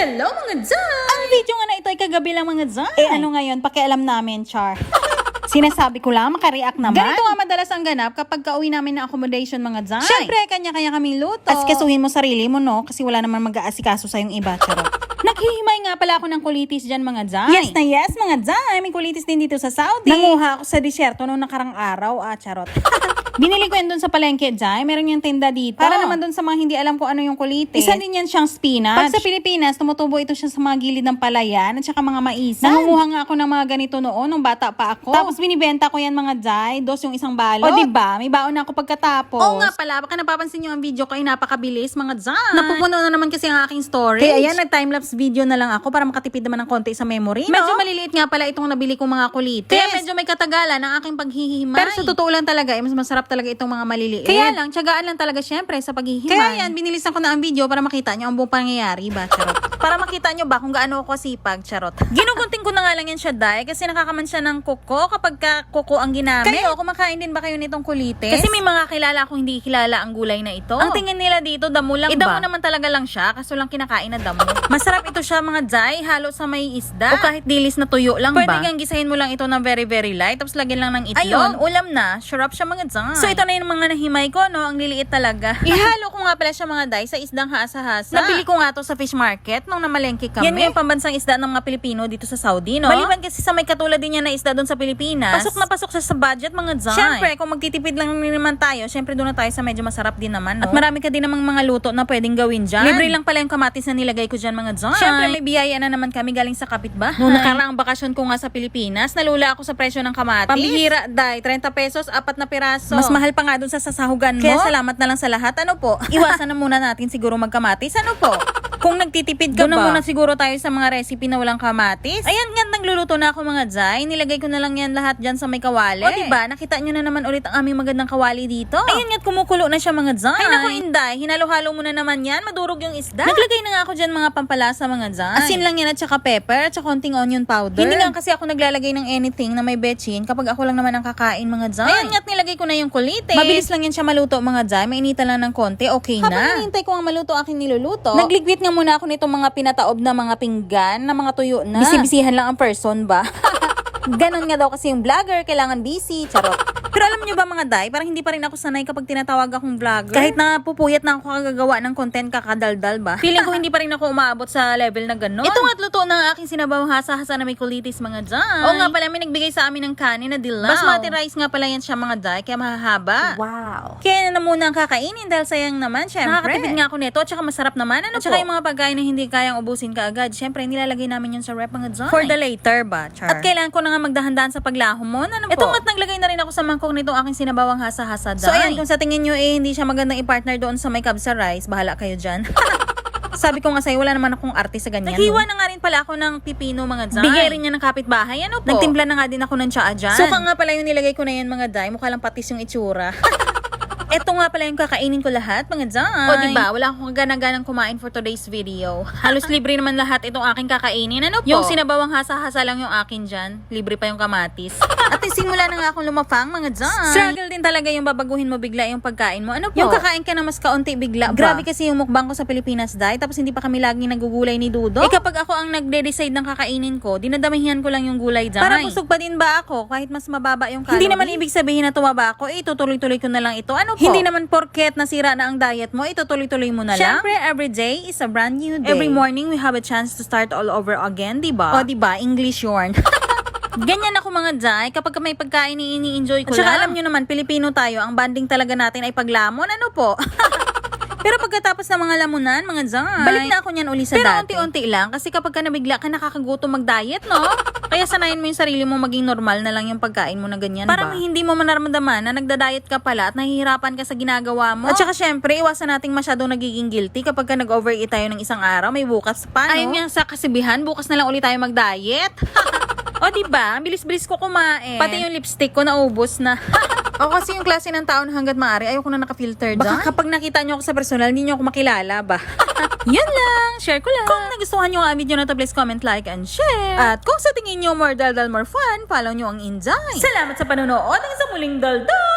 Hello mga Zay! Ang video nga na ito ay kagabi lang mga Zay. Ano ngayon, pakialam namin, char. Sinasabi ko lang, makareact naman. Ganito nga madalas ang ganap kapag kauwi namin ng accommodation mga Zay. Siyempre, kanya-kanya kaming luto. Asikasuhin mo sarili mo, no? Kasi wala naman mag-aasikaso sa yung iba, charot. Naghihimay nga pala ako ng kulitis dyan mga Zay. Yes na yes mga Zay. May kulitis din dito sa Saudi. Nanguha ako sa disyerto noong nakarang araw, charot. Binili ko yan dun sa palengke, Jai. Meron yung tinda dito. Para naman dun sa mga hindi alam kung ano yung kulitis. Isa din yan siyang spinach. Pag sa Pilipinas, tumutubo ito siya sa mga gilid ng palayan at saka mga maisan. Nangunguha nga ako ng mga ganito noon, nung bata pa ako. Tapos binibenta ko yan mga Jai. Dos yung isang balot. O diba? May baon na ako pagkatapos. Oo nga pala. Baka napapansin nyo ang video ko ay napakabilis mga Jai. Napupuno na naman kasi ang aking storage. Kaya ayan, nag-timelapse video na lang ako para makatipid naman ng konti sa memory. No? Medyo maliliit nga pala itong nabili kong mga kulitis. Kaya medyo may katagalan ang aking paghihimay. Pero sa totoo lang talaga, mas masarap talaga itong mga maliliit. Kaya lang, tiyagaan lang talaga syempre sa paghihimay. Kaya yan, binilisan ko na ang video para makita nyo ang buong pangyayari ba, charot. Para makita nyo ba kung gaano ako sipag, charot. Ginugunting ko na nga lang yan siya, Day, kasi nakakaman siya ng kuko kapag kuko ang ginamit. Kayo, kumakain din ba kayo nitong kulitis? Kasi may mga kilala akong hindi kilala ang gulay na ito. Ang tingin nila dito, damo lang ba? Damo naman talaga lang siya, kaso lang kinakain na damo. Masarap ito siya mga Day, halo sa may isda. O kahit dilis na tuyo lang ba? Pwede kang gisahin mo lang ito ng very very light, tapos lagyan lang ng itlog. Ayun, ulam na, sarap siya mga Day. So ito na yung mga nahimay ko, no? Ang liliit talaga. Ihalo ko nga pala siya mga Day sa isdang hasa-hasa. Nabili ko nga to sa fish market nung namalengke kami. Yan yung pambansang isda ng mga Pilipino dito sa Saudi, no? Maliban kasi sa may katulad din yan na isda doon sa Pilipinas. Pasok na pasok siya sa budget mga Day. Siyempre, kung magtitipid lang naman tayo, siyempre doon na tayo sa medyo masarap din naman, no? At marami ka din namang mga luto na pwedeng gawin dyan. Libre lang pala yung kamatis na nilagay ko dyan mga Day. Siyempre, may biyaya na naman kami galing sa kapitbahay. Nung nakaraang bakasyon ko nga sa Pilipinas, nalula ako sa presyo ng kamatis. Pambihira, Day, 30 pesos, 4 na piraso. Mas mahal pa nga doon sa sasahugan mo. Kaya salamat na lang sa lahat. Ano po? Iwasan na muna natin siguro magkamatis. Ano po? Kung nagtitipid ka ba? Doon na muna siguro tayo sa mga recipe na walang kamatis. Ayan nga, nagluluto na ako mga Zay. Nilagay ko na lang yan lahat dyan sa may kawali. O diba? Nakita nyo na naman ulit ang aming magandang kawali dito. Ayan nga, kumukulo na siya mga Zay. Ay naku Inday, hinalo-halo mo na naman yan. Madurog yung isda. Naglagay na nga ako dyan mga pampalasa mga Zay. Asin lang yan at saka pepper at saka konting onion powder. Hindi nga kasi ako naglalagay ng anything na may betchin kapag ako lang naman ang kakain mga Zay. Ayan nga, nilagay ko na yung kulitis. Mabilis lang yan siya maluto mga Zay. Mainita lang ng konti, okay na. Habang hinihintay ko ang maluto aking niluluto, nagligwit nga muna ako nitong mga pinataob na mga pinggan, na mga tuyo na. Bisibisihan lang ang person ba? Ganon nga daw kasi yung vlogger, kailangan busy, charot. Pero alam nyo ba mga Day, parang hindi pa rin ako sanay kapag tinatawag akong vlogger. Kahit na pupuyat na ako kagagawa ng content kakadaldal ba? Feeling ko hindi pa rin ako umaabot sa level na gano'n. Ito nga't luto ng aking sinabawang hasa-hasa na may kulitis mga Day. Oo nga pala, may nagbigay sa amin ng kanin na dilaw. Basmati rice nga pala yan siya mga Day, kaya mahahaba. Wow. Kaya na muna ang kakainin dahil sayang naman, syempre. Nakakatipid nga ako nito, at saka masarap naman. Ano at saka yung mga pagkain na hindi kayang ubusin kaagad, syempre nilalagay namin yun sa rep mga Day. For the later ba, char? At kailangan ko na nga magdahan-dahan sa paglahom mo. Ano po? Ito nga't naglagay na rin ako sa mangkok nitong aking sinabawang hasa-hasa Day. So ayan, kung sa tingin nyo hindi siya magandang i-partner doon sa may kabsa rice, bahala kayo dyan. Sabi ko nga sa'yo, wala naman akong arte sa ganyan. Naghiwa na nga rin pala ako ng pipino mga Day. Bigay rin niya ng kapitbahay. Ano po? Nagtimpla na nga din ako ng tsaa dyan. Suka nga pala yung nilagay ko na yan mga Day. Mukha lang patis yung itsura. Eto nga pala yung kakainin ko lahat, mga Day. O diba, wala akong gana-ganang kumain for today's video. Halos libre naman lahat itong aking kakainin. Ano po? Yung sinabawang hasa-hasa lang yung akin dyan. Libre pa yung kamatis. At simula na nga akong lumapang, mga Day. Struggle din talaga yung babaguhin mo bigla yung pagkain mo. Ano po? Yung kakain ka na mas kaunti bigla ba? Grabe kasi yung mukbang ko sa Pilipinas, Day. Tapos hindi pa kami laging nagugulay ni Dudo. Kapag ako ang nagde-decide ng kakainin ko, dinadamihan ko lang yung gulay, Day. Para busog pa din ba ako kahit mas mababa yung calorie? Hindi naman ibig sabihin na tumaba ako, tutuloy-tuloy ko na lang ito. Ano po? Hindi naman porket nasira na ang diet mo, tutuloy-tuloy mo na lang. Siyempre, every day is a brand new day. Every morning, we have a chance to start all over again, diba? O diba, English yarn. Ganyan ako mga Day, kapag may pagkain ini-enjoy ko lang. At saka alam nyo naman, Pilipino tayo, ang banding talaga natin ay paglamon, ano po? Pero pagkatapos ng mga lamunan, mga Day, balik na ako niyan uli sa dati. Pero unti-unti lang, kasi kapag ka nabigla ka, nakakagutom mag-diet, no? Kaya sanayin mo yung sarili mo maging normal na lang yung pagkain mo na ganyan ba? Para hindi mo manaramdaman na nagda-diet ka pala at nahihirapan ka sa ginagawa mo. At saka syempre, iwasan nating masyadong nagiging guilty kapag ka nag-overeat tayo ng isang araw, may bukas pa, no? Ayun nga sa kasibihan, bukas na lang ulit tayo mag-diet. O diba, ang bilis-bilis ko kumain. Pati yung lipstick ko naubos na. Ako kasi yung klase ng taon hanggat maaari, ayoko na naka-filter dyan. Baka kapag nakita nyo ako sa personal, hindi nyo ako makilala ba? Yan lang, share ko lang. Kung nagustuhan nyo ang video na to, please comment, like, and share. At kung sa tingin nyo more daldal, more fun, follow nyo ang Inday. Salamat sa panonood, hanggang sa muling daldal!